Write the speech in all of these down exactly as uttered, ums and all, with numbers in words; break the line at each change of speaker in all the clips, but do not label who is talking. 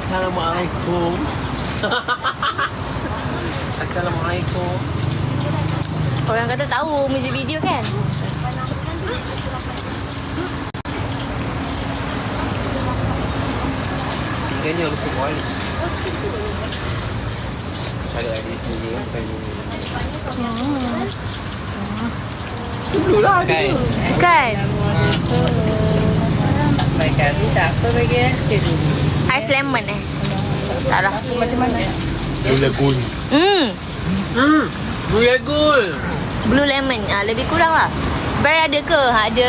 Assalamualaikum. Assalamualaikum.
Orang kata tahu music video kan?
Tinggalnya lupa balik. Cari adik sendiri bukan ni.
Hmm.
Dulu lah kan.
Kan?
Baikkan ni tak apa bagi eh.
Ais lemon eh? Tak lah.
Macam mana?
Blue Lagoon.
Hmm.
Hmm. Blue Lagoon.
Blue lemon. Ah, lebih kurang lah. Bray ada ke? Ada.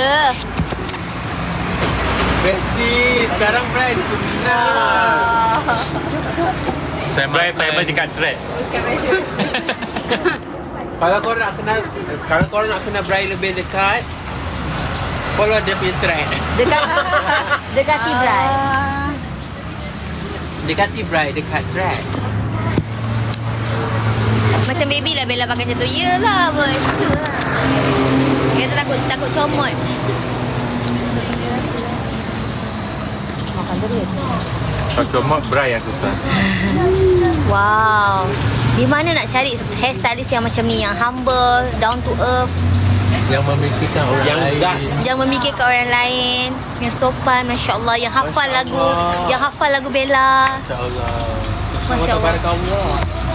Besti. Sekarang Bray benar.
Saya main time dekat track.
Kalau kau nak kenal, kalau kau nak kenal Bray lebih dekat, follow dia punya track.
Dekat dekati Bray.
Dekati Bray dekat track.
Macam baby lah Bella pakai macam tu. Yelah bos. Kita takut takut comot. Makan terus.
Kalau cuma Bray yang susah.
Wow. Di mana nak cari hairstylist yang macam ni, yang humble, down to earth,
Yang memikirkan orang
Yang
lain.
gas.
yang memikirkan orang lain, yang sopan, masya-Allah, yang hafal
Masya
lagu,
Allah.
yang hafal lagu Bella.
InsyaAllah.
Masya Allah.
Tabarakallah.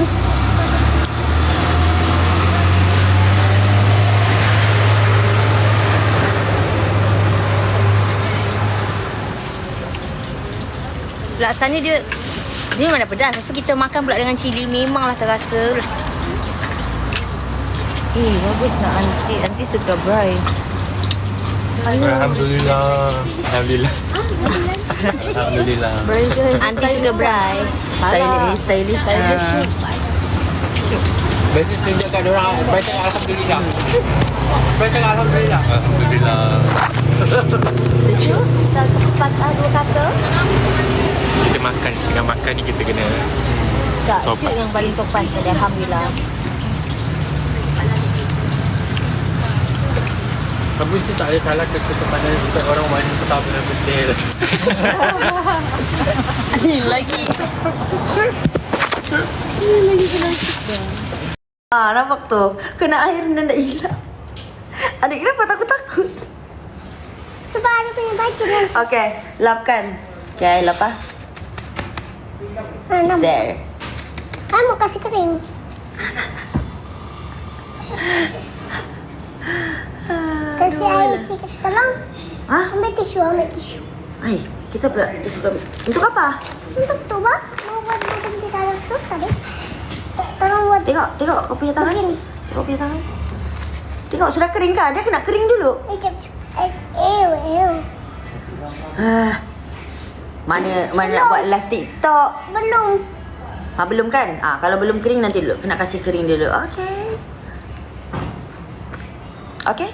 Laksana dia dia memang dah pedas. Lepas tu kita makan pula dengan cili, memanglah terasa. Eh, bagus nak aunty. Aunty suka Bray.
Alhamdulillah. Alhamdulillah. Alhamdulillah.
Bray ke?
Aunty suka Bray.
Stylist, stylist.
Stylist.
Biasa tunjuk kat diorang, Bray cakap Alhamdulillah. Bray cakap Alhamdulillah.
Alhamdulillah.
Tujuh, satu patah dua kata.
Kita makan. Dengan makan ni kita kena
Tak,
sopan.
shoot yang paling sopan tadi. Alhamdulillah.
Habis tu tak ada salah kekepanan setiap orang wanita tak benar betul.
Ni lagi. Ah, nampak tu. Kena air dan nak hilang. Adik kenapa takut-takut?
Sebab ada punya baju kan.
Okay, lapkan. Okay, lap ah.
Ha,
It's
nam.
there.
I mau kasih kering. Kasih air sikit. Tolong.
Hah?
Ambil tisu, ambil tisu.
Ay, kita pula suka. Untuk apa?
Untuk tu bah. Mau buat macam di dalam tu tadi. T- Tolong buat
Tengok, tengok kau punya tangan.
begini.
Tengok punya tangan. Tengok sudah kering kan? Dia kena kering dulu.
Eh, jap, jap. Eh, ew, ew.
Ah. Mana mana nak buat live TikTok?
Belum.
Ha, belum kan? Ah, kalau belum kering nanti dulu. Kena kasih kering dulu. Okey. Okey.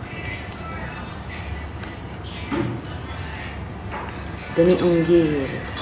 Demi unggil.